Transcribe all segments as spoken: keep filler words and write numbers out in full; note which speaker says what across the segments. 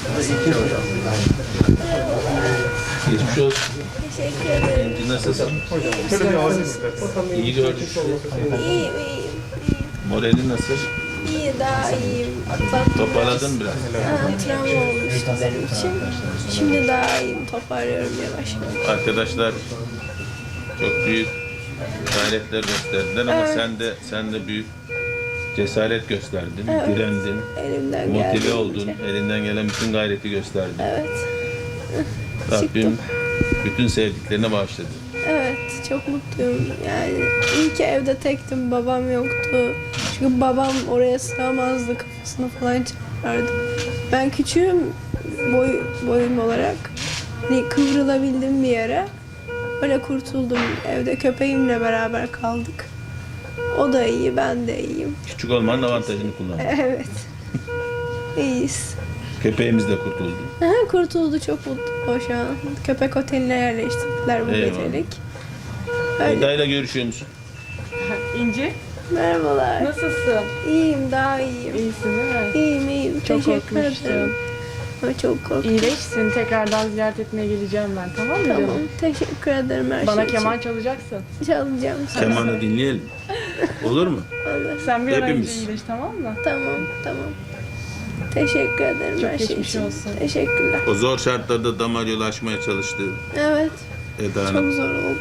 Speaker 1: Geçmiş olsun.
Speaker 2: Teşekkür ederim.
Speaker 1: Şimdi nasılsın? İyi gördük.
Speaker 2: İyiyim, iyiyim, iyiyim.
Speaker 1: Moralin nasıl?
Speaker 2: İyi, daha iyiyim. Atlattım.
Speaker 1: Toparladın biraz.
Speaker 2: Ha, travma olmuştu benim için. Şimdi daha iyiyim, toparlıyorum yavaş yavaş.
Speaker 1: Arkadaşlar çok büyük gayretler gösterdiler ama
Speaker 2: Evet.
Speaker 1: sen de sen de büyük cesaret gösterdin,
Speaker 2: Evet.
Speaker 1: direndin,
Speaker 2: Elimden
Speaker 1: motive
Speaker 2: geldiğince.
Speaker 1: oldun, elinden gelen bütün gayreti gösterdin.
Speaker 2: Evet.
Speaker 1: Rabbim
Speaker 2: Çıktım.
Speaker 1: bütün sevdiklerine bağışladı.
Speaker 2: Evet, çok mutluyum. Yani iyi ki evde tektim, babam yoktu. Çünkü babam oraya sığamazdı, kafasını falan çıkardı. Ben küçüğüm boy, boyum olarak. Hani kıvrılabildim bir yere. Öyle kurtuldum. Evde köpeğimle beraber kaldık. O da iyi, ben de iyiyim.
Speaker 1: Küçük olmanın avantajını kullandın.
Speaker 2: Evet. İyiyiz.
Speaker 1: Köpeğimiz de kurtuldu.
Speaker 2: Aha, kurtuldu, çok mutlu o şu an. Köpek oteline yerleştirdiler bu
Speaker 1: Eyvallah.
Speaker 2: gecelik. Öyle.
Speaker 1: Eda'yla görüşüyor musun?
Speaker 3: İnci,
Speaker 2: Merhabalar.
Speaker 3: nasılsın?
Speaker 2: İyiyim, daha iyiyim.
Speaker 3: İyisin değil mi?
Speaker 2: İyiyim, iyiyim.
Speaker 3: Çok
Speaker 2: Teşekkür
Speaker 3: korkmuştum.
Speaker 2: ederim. Ama çok korktum.
Speaker 3: İyileşsin. Tekrardan ziyaret etmeye geleceğim ben. Tamam mı
Speaker 2: Tamam,
Speaker 3: canım?
Speaker 2: teşekkür ederim her
Speaker 3: Bana
Speaker 2: şey
Speaker 3: keman
Speaker 2: için.
Speaker 3: çalacaksın.
Speaker 2: Çalacağım sana.
Speaker 1: Kemanı dinleyelim. Olur mu?
Speaker 2: Olur.
Speaker 3: Sen bir an önce
Speaker 1: Hepimiz.
Speaker 3: iyileş, tamam mı?
Speaker 2: Tamam, tamam. Teşekkür ederim
Speaker 3: Çok
Speaker 2: her şey
Speaker 3: geçmiş
Speaker 2: için.
Speaker 3: olsun.
Speaker 2: Teşekkürler.
Speaker 1: O zor şartlarda damar yolu açmaya çalıştı
Speaker 2: Evet,
Speaker 1: Eda
Speaker 2: çok
Speaker 1: Hanım.
Speaker 2: zor oldu.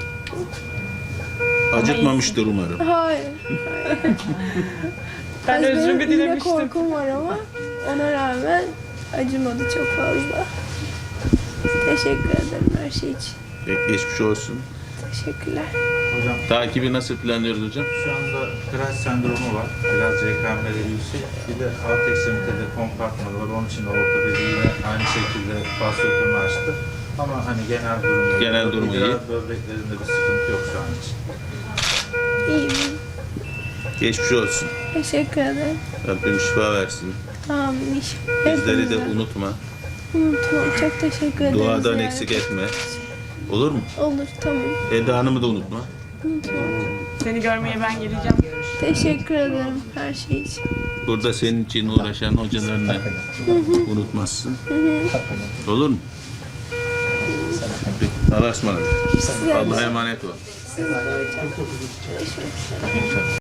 Speaker 1: Acıtmamıştır umarım.
Speaker 2: Hayır, hayır.
Speaker 3: Ben
Speaker 2: Biraz
Speaker 3: özrümü
Speaker 2: benim iğne
Speaker 3: dilemiştim.
Speaker 2: korkum var ama ona rağmen acımadı çok fazla. Teşekkür ederim her şey için.
Speaker 1: Pek geçmiş olsun.
Speaker 2: Teşekkürler.
Speaker 4: Hocam
Speaker 1: Takibi nasıl planlıyoruz hocam?
Speaker 4: şu anda kras sendromu var. Biraz C K M'leri yüksek. Bir de alt ekstremitede kompartmanı var. Onun için de ortopedi yine aynı şekilde fasciyotomu açtı. Ama hani genel durumu
Speaker 1: Genel durumu iyi.
Speaker 4: İdrar böbreklerinde bir sıkıntı yok şu an için.
Speaker 2: İyiyim.
Speaker 1: Geçmiş olsun.
Speaker 2: Teşekkür ederim.
Speaker 1: Rabbim şifa versin.
Speaker 2: Tamam, iş.
Speaker 1: Bizleri de
Speaker 2: Hepinize.
Speaker 1: unutma.
Speaker 2: Unutmam. Çok teşekkür ederim.
Speaker 1: Duadan
Speaker 2: ziyaret-
Speaker 1: eksik etme. Olur mu?
Speaker 2: Olur, tamam.
Speaker 1: Eda Hanım'ı da unutma.
Speaker 2: Unutmam.
Speaker 3: Seni görmeye ben geleceğim.
Speaker 2: Teşekkür ederim her şey için.
Speaker 1: Burada senin için uğraşan hocalarını unutmazsın. Olur mu? Peki, Allah'a ısmarladık.
Speaker 2: Size
Speaker 1: Allah'a emanet ol.
Speaker 2: Siz de hocam. Görüşmek üzere.